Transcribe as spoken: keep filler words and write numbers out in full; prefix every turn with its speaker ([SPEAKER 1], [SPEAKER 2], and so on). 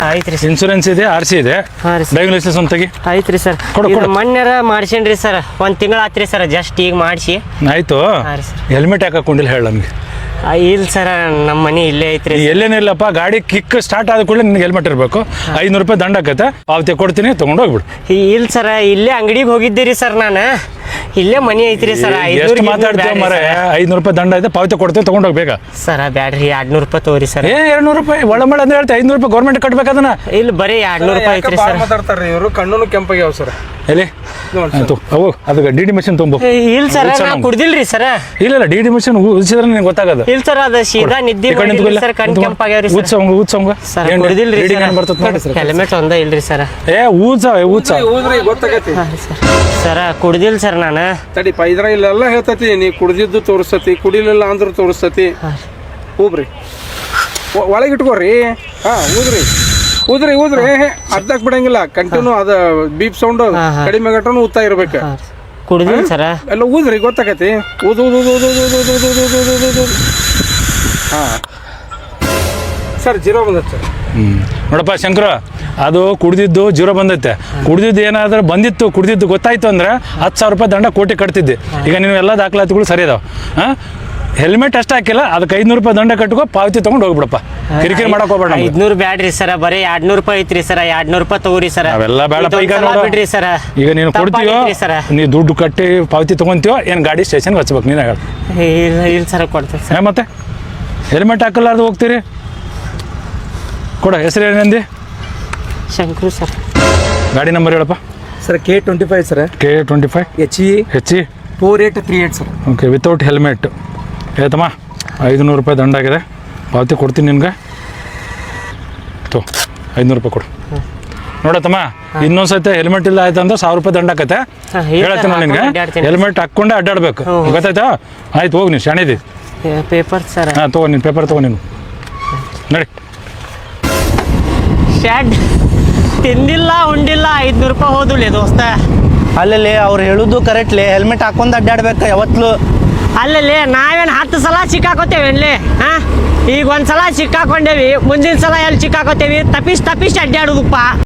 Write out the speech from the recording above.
[SPEAKER 1] ಐತ್ರಿ sir.
[SPEAKER 2] Insurance ಇದೆ, R C ಇದೆ,
[SPEAKER 1] ಹಾಂ ರೀ ಸರ್.
[SPEAKER 2] ಡ್ರೈವಿಂಗ್ ಲೈಸೆನ್ಸ್ ಒಂದು ತೆಗಿ.
[SPEAKER 1] ಐತ್ರಿ ಸರ್.
[SPEAKER 2] ಕೊಡು,
[SPEAKER 1] ಇದು
[SPEAKER 2] ಕೊಡು.
[SPEAKER 1] ಮೊನ್ನೆರ ಮಾಡ್ಸೇನ್ರಿ ಸರ್, ಒಂದು ತಿಂಗಳು ಆತ್ರಿ ಸರ್, ಜಸ್ಟ್ ಈಗ ಮಾಡಿಸಿ.
[SPEAKER 2] ಆಯ್ತು.
[SPEAKER 1] ಹಾಂ ರೀ ಸರ್.
[SPEAKER 2] ಹೆಲ್ಮೆಟ್ ಯಾಕೆ ಹಾಕೊಂಡಿಲ್ಲ ಹೇಳ ನಮಗೆ.
[SPEAKER 1] ಇಲ್ಲ ಸರ್, ನಮ್ಮ ಮನೆ ಇಲ್ಲೇ ಐತ್ರಿ.
[SPEAKER 2] ಎಲ್ಲೇನಿಲ್ಲಪ್ಪ, ಗಾಡಿ ಕಿಕ್ ಸ್ಟಾರ್ಟ್ ಆದ ಕೂಡಲೇ ನಿನ್ಗೆ ಹೆಲ್ಮೆಟ್ ಇರಬೇಕು. ಐನೂರು ರೂಪಾಯಿ ದಂಡ ಆಕತ್ತೆ, ಪಾವತಿ ಕೊಡ್ತೀನಿ, ತೊಗೊಂಡು ಹೋಗ್ಬಿಡು.
[SPEAKER 1] ಇಲ್ಲ ಸರ್, ಇಲ್ಲೇ ಅಂಗಡಿಗೆ ಹೋಗಿದ್ದೀರಿ ಸರ್, ನಾನು ಇಲ್ಲೇ ಮನೆ ಐತ್ರಿ ಸರ್.
[SPEAKER 2] ಎಷ್ಟು ಮಾತಾಡ್ತೀವಿ ಮರ, ಐನೂರು ರೂಪಾಯಿ ದಂಡ ಇದೆ, ಪಾವತಿ ಕೊಡ್ತೀವಿ, ತೊಗೊಂಡು ಹೋಗ್ಬೇಕಾ
[SPEAKER 1] ಸರ್? ಬ್ಯಾಡ್ರಿ, ಎರಡ್ನೂರು ರೂಪಾಯಿ ತಗೋರಿ ಸರ್.
[SPEAKER 2] ಏ ಎರಡ್ನೂರು ರೂಪಾಯಿ ಒಳ ಮಳ ಅಂತ ಹೇಳ್ತಾ ಐನೂರು ರೂಪಾಯಿ ಗೌರ್ಮೆಂಟ್ ಕಟ್ಬೇಕು ಅದನ್ನ.
[SPEAKER 1] ಇಲ್ಲ, ಬರೀ ಎರಡ್ನೂರು ರೂಪಾಯಿ ಐತ್ರಿ ಸರ್.
[SPEAKER 3] ಮಾತಾಡ್ತಾರ್ರಿ ಇವರು, ಕಣ್ಣು ಕೆಂಪಾಗ್ಯಾವ ಸರ್.
[SPEAKER 2] ಎಲ್ಲಿ ಆಯ್ತು ಅವು ಅದಕ್ಕೆ ಡಿ ಡಿ ಮಿಷನ್ ತುಂಬ.
[SPEAKER 1] ಇಲ್ಲ ಸರ್, ನಾ ಕುಡ್ದಿಲ್ರಿ ಸರ್.
[SPEAKER 2] ಇಲ್ಲ ಇಲ್ಲ, ಡಿ ಡಿ ಮಿಷನ್ ಉಳಿಸಿದ್ರೆ ನಿನಗೆ ಗೊತ್ತಾಗದು.
[SPEAKER 1] ಇಲ್ಲ ಸರ್, ಅದು ಸೀದಾ ನಿದ್ದೆ ಮಾಡಿಲ್ಲ ಸರ್, ಕಣ್ ಕೆಂಪಾಗ್ಯಾವ್ರಿ ಸರ್.
[SPEAKER 2] ಊದ್ಸಂಗ ಊದ್ಸಂಗ
[SPEAKER 1] ಸರ್ ಕುಡ್ದಿಲ್ರಿ ಸರ್.
[SPEAKER 2] ಬರ್ತದೆ.
[SPEAKER 1] ಹೆಲ್ಮೆಟ್ ಒಂದ ಇಲ್ರಿ ಸರ್.
[SPEAKER 2] ಏ ಊದ್ಸ ಊದ್ಸ
[SPEAKER 3] ಊದ್ರಿ ಗೊತ್ತಾಗೈತಿ
[SPEAKER 1] ಸರ್. ಕುಡ್ದಿಲ್ಲ ಸರ್ ನಾನು.
[SPEAKER 3] ತಡಿ ಪೈದ್ರ ಇಲ್ಲೆಲ್ಲ ಹೇಳ್ತತಿ, ನೀ ಕುಡ್ದಿದ್ದು ತೋರಿಸ್ತತಿ, ಕುಡಿಲಿಲ್ಲ ಅಂದ್ರೂ ತೋರಿಸ್ತತಿ. ಊಬ್ರಿ, ಒಳಗೆ ಇಟ್ಕೋರಿ. ಹಾ ಊದ್ರಿ ಊದ್ರಿ ಊದ್ರಿ ಅರ್ಧಕ್ ಬಿಡಂಗಿಲ್ಲ, ಕಂಟಿನ್ಯೂ ಅದ ಬೀಪ್ ಸೌಂಡ್ ಕಡಿಮೆ ಗಟ್ಟನು ಊದ್ತಾ ಇರ್ಬೇಕು.
[SPEAKER 1] ಕುಡ್ದಿಲ್ಲ ಸರ.
[SPEAKER 3] ಎಲ್ಲ ಊದ್ರಿ ಗೊತ್ತಾಗೈತಿ. ಊದ್ ಊದ್ ಊದ್ ಊದ್ ಊದ್ ಊದ್ ಊದ್ ಊದ್ ಊದ್ ಊದ್ ಊದ್ ಊದ್. ಹಾ ಸರ್, ಜೀರೋ ಬಂದೈತೆ ಸರ್.
[SPEAKER 2] ಹ್ಮ್ ನೋಡಪ್ಪ ಶಂಕರ, ಅದು ಕುಡ್ದಿದ್ದು ಜೀರೋ ಬಂದೈತೆ. ಕುಡ್ದಿದ್ದು ಏನಾದ್ರೂ ಬಂದಿತ್ತು, ಕುಡ್ದಿದ್ದು ಗೊತ್ತಾಯ್ತು ಅಂದ್ರೆ ಹತ್ತು ಸಾವಿರ ರೂಪಾಯಿ ದಂಡ ಕೋಟಿ ಕಟ್ತಿದ್ದೆ. ಈಗ ನೀವು ಎಲ್ಲ ದಾಖಲಾತಿಗಳು ಸರಿ ಅದಾವ. ಹಾಂ, ಹೆಲ್ಮೆಟ್ ಅಷ್ಟು ಹಾಕಿಲ್ಲ, ಅದಕ್ಕೆ ಐನೂರು ರೂಪಾಯಿ ದಂಡ ಕಟ್ಕೋ, ಪಾವತಿ ತೊಗೊಂಡು ಹೋಗ್ಬಿಡಪ್ಪ. ಕಿರಿಕಿರಿ ಮಾಡಕ್ ಹೋಗ್ಬೇಡ.
[SPEAKER 1] ಐದ್ನೂರು ಬ್ಯಾಡ್ರಿ ಸರ, ಬರೀ ಎರಡ್ನೂರು ರೂಪಾಯಿ ಐತ್ರಿ ಸರ. ಎರಡ್ನೂರು ರೂಪಾಯಿ ತಗೋರಿ ಸರ.
[SPEAKER 2] ಅವೆಲ್ಲ ಬೇಡಪ್ಪ. ಈಗ ನೋಡು,
[SPEAKER 1] ಬಿಡ್ರಿ ಸರ.
[SPEAKER 2] ಈಗ ನೀನು ಕೊಡ್ತೀಯೋ, ನೀ ದುಡ್ಡು ಕಟ್ಟಿ ಪಾವತಿ ತೊಗೊಂತೀಯೋ ಏನು ಗಾಡಿ ಸ್ಟೇಷನ್ಗೆ ಹಚ್ಬೇಕು ನೀನು ಹೇಳ.
[SPEAKER 1] ಇಲ್ಲ ಇಲ್ಲ ಸರ, ಕೊಡ್ತೀನಿ ಸರ್.
[SPEAKER 2] ಮತ್ತೆ ಹೆಲ್ಮೆಟ್ ಹಾಕಲಾರ್ದು ಹೋಗ್ತೀರಿ? ಕೊಡ, ಹೆಸರು ಏನಂದಿ?
[SPEAKER 1] ಶಂಕರು ಸರ್.
[SPEAKER 2] ಗಾಡಿ ನಂಬರ್ ಹೇಳಪ್ಪ.
[SPEAKER 3] Sir K twenty five sir.
[SPEAKER 2] K twenty five
[SPEAKER 3] H E
[SPEAKER 2] H E
[SPEAKER 3] four eight three eight sir.
[SPEAKER 2] Okay, without helmet. ಆಯ್ತಮ್ಮ, ಐದುನೂರು ರೂಪಾಯಿ ದಂಡ ಆಗಿದೆ, ಪಾವತಿ ಕೊಡ್ತೀನಿ ನಿನ್ಗೆ. ತೋ ಐದುನೂರು ರೂಪಾಯಿ ಕೊಡು. ನೋಡತ್ತಮ್ಮ, ಇನ್ನೊಂದ್ಸತಿ ಹೆಲ್ಮೆಟ್ ಇಲ್ಲ ಆಯ್ತು ಅಂದ್ರೆ ಸಾವಿರ ರೂಪಾಯಿ ದಂಡ ಆಕತ್ತೆ. ಹೇಳತ್ತೀನಿ ನಿನ್ಗೆ, ಹೆಲ್ಮೆಟ್ ಹಾಕ್ಕೊಂಡೆ ಅಡ್ಡಾಡ್ಬೇಕು, ಗೊತ್ತಾಯ್ತಾ? ಆಯ್ತು, ಹೋಗಿ ನೀನು ಶಾಣಿದಿ.
[SPEAKER 1] Paper sir.
[SPEAKER 2] ಹಾಂ, ತಗೋ ನೀನು ಪೇಪರ್ ತಗೋ ನೀನು. ನಡಿ.
[SPEAKER 1] ಶ್ಯಾಡ್ ತಿಂದಿಲ್ಲ ಉಂಡಿಲ್ಲ, ಐದ್ನೂರು ರೂಪಾಯಿ ಹೋದುಲೆ ದೋಸ್ತ.
[SPEAKER 4] ಅಲ್ಲಲ್ಲಿ ಅವ್ರು ಹೇಳುದು ಕರೆಕ್ಟ್ಲಿ, ಹೆಲ್ಮೆಟ್ ಹಾಕೊಂಡು ಅಡ್ಡಾಡ್ಬೇಕು ಯಾವತ್ತೂ.
[SPEAKER 1] ಅಲ್ಲಲ್ಲಿ ನಾವೇನು ಹತ್ತು ಸಲ ಸಿಕ್ಕಾಕೋತೇವೇನ್ಲಿ? ಹಾಂ, ಈಗ ಒಂದು ಸಲ ಸಿಕ್ಕಾಕೊಂಡೇವಿ, ಮುಂದಿನ ಸಲ ಎಲ್ಲಿ ಸಿಕ್ಕಾಕೋತೇವಿ? ತಪ್ಪಿಸಿ ತಪ್ಪಿಸಿ ಅಡ್ಡಾಡೋದಪ್ಪ.